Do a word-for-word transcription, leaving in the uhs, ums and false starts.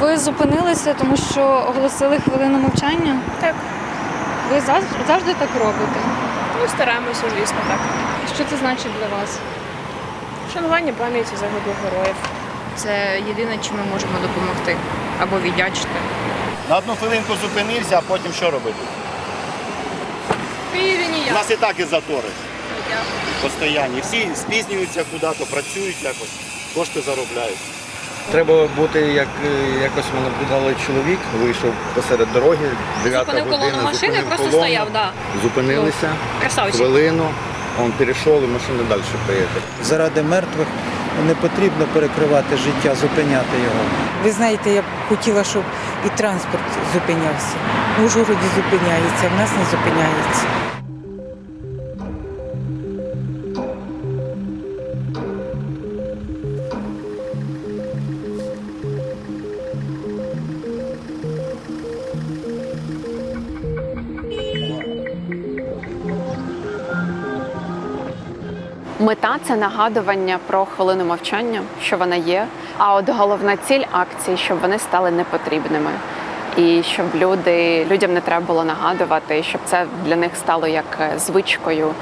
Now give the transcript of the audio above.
Ви зупинилися, тому що оголосили хвилину мовчання? Так. Ви завжди, завжди так робите? Ну, стараємося, звісно, так. Що це значить для вас? Вшанування пам'яті загиблих героїв. Це єдине, чим ми можемо допомогти або віддячити. На одну хвилинку зупинився, а потім що робити? В Києві У ніяк. нас і так і затори постійні. Всі спізнюються куди-то, працюють якось, кошти заробляють. Треба бути, як якось ми наблюдали, чоловік вийшов посеред дороги, дев'ята Зупинив година, колону машини, зупинив просто колону, стояв, да. зупинилися, Красавчик. хвилину, він перейшов і машина далі поїхала. Заради мертвих не потрібно перекривати життя, зупиняти його. Ви знаєте, я б хотіла, щоб і транспорт зупинявся. В Ужгороді зупиняється, в нас не зупиняється. Мета – це нагадування про хвилину мовчання, що вона є. А от головна ціль акції, щоб вони стали непотрібними. І щоб люди, людям не треба було нагадувати, щоб це для них стало як звичкою.